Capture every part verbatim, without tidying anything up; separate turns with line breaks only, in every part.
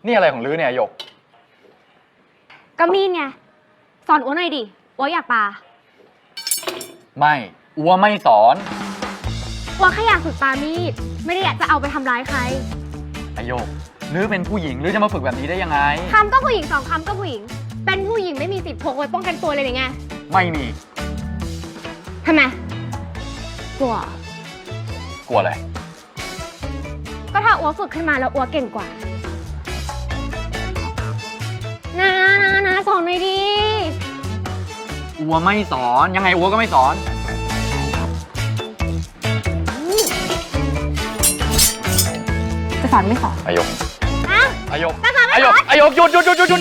นี่อะไรของลื้อเนี่ยหยก
ก็มีดไงสอนอัวหน่อยดิอัวอยากปลา
ไม่อัวไม่สอน
อัวแค่อยากฝึกปลามีดไม่ได้อยากจะเอาไปทำร้ายใคร
ไอโยกลื้อเป็นผู้หญิงลื้อจะมาฝึกแบบนี้ได้ยังไง
คำก็ผู้หญิงสองคำก็ผู้หญิงเป็นผู้หญิงไม่มีสิทธิ์พกไว้ป้องกันตัวเลยหรือไง
ไม่มี
ทำไมกลัว
กลัวอะไร
ก็ถ้าอัวฝึกขึ้นมาแล้วอัวเก่งกว่านะนะนะสอนหน่อยดิ
อัวไม่สอนยังไงอัวก็ไม่สอน
จะสอนไม่สอน
อายก
อะ
อายก
จะสอนไม่สอน
อายกหยุดหยุดหยุดหยุดหยุด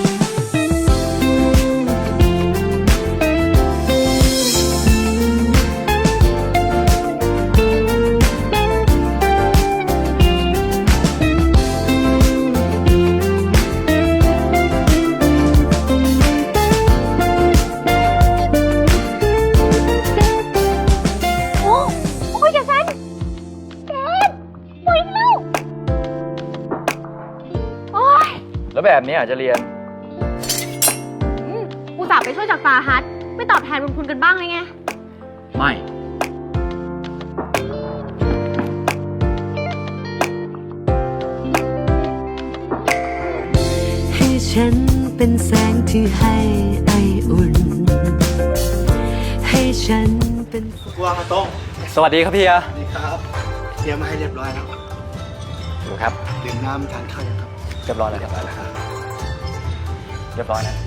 แล้วแบบนี้อาจจะเรียน
อุตส่าห์ไปช่วยจากตาฮัทไม่ตอบแทนบุญคุณกันบ้างเลยไง
ไม่
ให้ฉันเป็นแสงที่ให้ไออุ่นให้ฉันเป็น
กวางมาต้ง
สวัสดีครับพี่อา
สวัสดีครับเตรียมมาให้เรียบร้อยแล้ว
ดูครับ
ดื่มน้ำทานข้าวยังครับ
เรียบร้อยแล้วเรียบร้อยแล้วครับเรียบร้อยนะ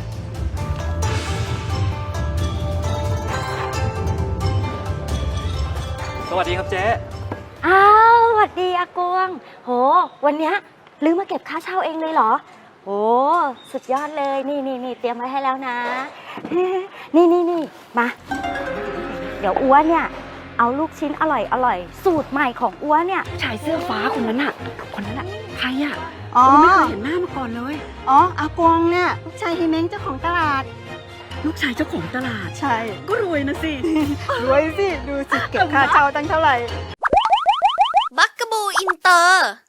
สวัสดีครับเจ๊
อ้าวสวัสดีอากวงโหวันเนี้ยลืมมาเก็บค่าเช่าเองเลยเหรอโหสุดยอดเลยนี่นี่นี่เตรียมไว้ให้แล้วนะนี่นี่นี่มาเดี๋ยวอ้วนเนี่ยเอาลูกชิ้นอร่อยอร่อยสูตรใหม่ของอ้วนเนี่ย
ชายเสื้อฟ้าคนนั้นอะคนนั้นอะใครอะ
อ๋อ
ไม่เคยเห็นหน้ามาก่อนเลย
อ๋ออากวงเนี่ยลูกชายเฮเม้งเจ้าของตลาด
ลูกชายเจ้าของตลาด
ใช่
ก็รวยนะสิ
รวยสิดูสิเก็บค่าเช่าตั้งเท่าไหร่
บักกะบูอินเตอร์